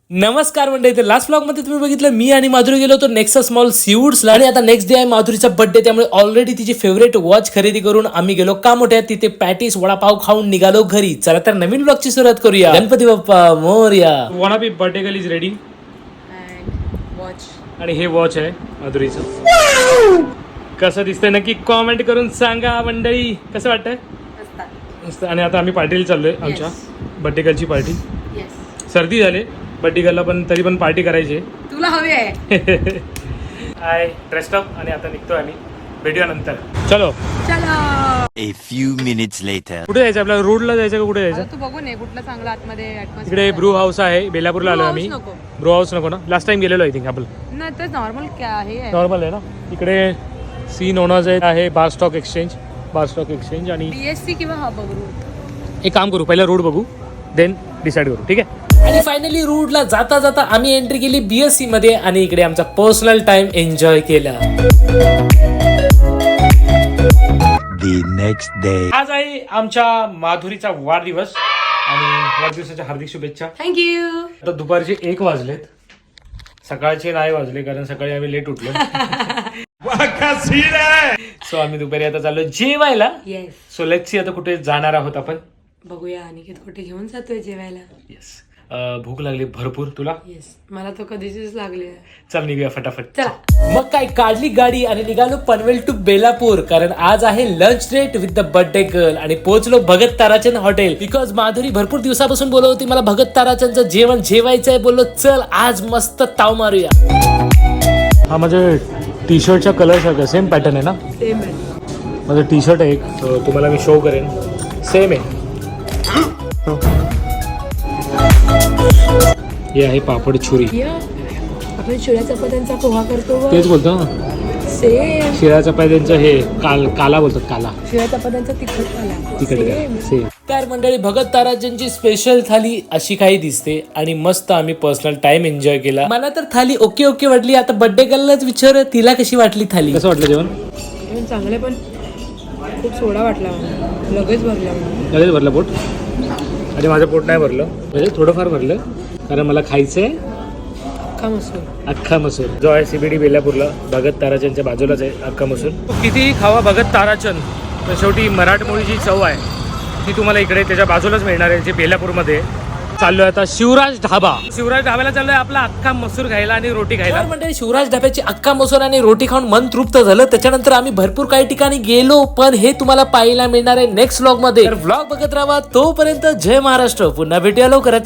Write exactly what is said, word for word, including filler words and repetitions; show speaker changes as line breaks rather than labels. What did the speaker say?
नमस्कार मंडळी, तर लास्ट ब्लॉग मध्ये तुम्ही बघितलं मी आणि माधुरी गेलो होतो नेक्सस मॉल सीवूड्सला आणि आता नेक्स्ट डे आहे माधुरीचा बर्थडे, त्यामुळे ऑलरेडी तिची फेवरेट वॉच खरेदी करून आम्ही गेलो कामोठ्यात. तिथे पॅटीस वडापाव खाऊन निघालो घरी. चला तर नवीन ब्लॉगची सुरुवात करूया. Ganpati Bappa Morya. One of birthday girl is ready
watch
आणि हे वॉच आहे माधुरीचं. कसं दिसतंय नक्की कॉमेंट करून सांगा मंडळी. कसं वाटतंय? मस्त. आणि आता आम्ही पार्टीला चाललोय आमच्या बर्थडे गर्लची पार्टी. सर्दी झाली बर्थडे गर्लला, पण तरी पण पार्टी करायची आहे.
तुला हवी आहे?
हाय ड्रेस्ड अप आणि आता निघतोय आम्ही. भेटूया नंतर. चलो
चला.
A few minutes later.
कुठे जायचं आपल्याला? रोडला जायचं का कुठे
आता
जायचं?
तू बघून ये कुठला चांगला आतमध्ये atmosphere
इकडे
आहे.
ब्रू हाऊस आहे. बेलापूरला आलो आम्ही.
नको.
ब्रू हाऊस नको ना? लास्ट टाइम गेलेलो आय थिंक आपण.
नाही तर नॉर्मल क्या आहे
नॉर्मल आहे ना. इकडे सी नोनाज आहे bar stock exchange. Bar stock exchange आणि
बीएससी किंवा हा बघू.
एक काम करू, पहिला रोड बघू देन डिसाईड करू. ठीक आहे. आणि फायनली रूटला जाता जाता आम्ही एंट्री केली बीएससी मध्ये आणि इकडे आमचा पर्सनल टाइम एन्जॉय केला.
The next day.
आज आहे आमच्या माधुरीचा वाढदिवस आणि वाढदिवसाच्या हार्दिक शुभेच्छा.
थँक्यू.
आता दुपारचे एक वाजलेत. सकाळचे नाही वाजले कारण सकाळी आम्ही लेट उठलो. सो आम्ही दुपारी आता चाललो जेवायला.
येस.
सो लेट्स सी आता कुठे जाणार आहोत आपण.
बघूया अनिकेत कुठे घेऊन जातोय जेवायला.
येस. भूक लागली भरपूर. तुला?
येस, मला तो कधीचीच लागली आहे.
चल निघूया फटाफट.
चला.
मग काय काढली गाडी आणि निघालो पनवेल टू बेलापूर, कारण आज आहे lunch date with the birthday girl. आणि पोहोचलो भगत ताराचंद हॉटेल. बिकॉज माधुरी भरपूर दिवसापासून बोलत होती मला भगत ताराचंदचं जेवण जेवायचं आहे. बोललो चल आज मस्त ताव मारूया. हा माझ्या टी शर्टचा कलर सारखा सेम पॅटर्न आहे ना?
सेम आहे.
माझं टी शर्ट आहे एक, तुम्हाला मी शो करेन. सेम आहे. हे आहे पापड छुरी.
या, आपण शिळ्या चपात्यांचा पोहा करतो बघ.
तेच बोलतो ना.
सेम.
शिळ्या चपात्यांचं हे काल काला बोलतात. काला
शिळ्या चपात्यांचा तिखट आला.
तिकडे सेम. तर मंडळी भगत ताराचंदची स्पेशल थाली अशी काही दिसते आणि मस्त आम्ही पर्सनल टाइम एन्जॉय केला. मला तर थाली ओके ओके वाटली. आता बर्थडे गर्ललाच विचार तिला कशी वाटली थाली. कसं वाटलं जेवण?
जेवण चांगले पण खूप सोडा वाटला मला. लगेच भरला मला.
लगेच भरलं पोट? आणि माझं पोट नाही भरलं, म्हणजे थोडंफार भरलं कारण मला खायचंय
अख्खा मसूर.
अख्खा मसूर जो आहे सीबीडी बेलापूरला भगत ताराचंदच्या बाजूलाच आहे. अख्खा मसूर कितीही खावा भगत ताराचंद, पण शेवटी मराठमोळी जी चव आहे ती तुम्हाला इकडे त्याच्या बाजूलाच मिळणार आहे, जे बेलापूरमध्ये. चाललोय आता शिवराज ढाबा. शिवराज ढाब्याला चाललोय आपला अख्खा मसूर खायला आणि रोटी खायला. म्हणजे शिवराज ढाब्याची अख्खा मसूर आणि रोटी खाऊन मन तृप्त झालं. त्याच्यानंतर आम्ही भरपूर काही ठिकाणी गेलो, पण हे तुम्हाला पाहायला मिळणार आहे नेक्स्ट व्लॉग मध्ये. व्लॉग बघत राहा. तोपर्यंत जय महाराष्ट्र. पुन्हा भेटूया लवकरच.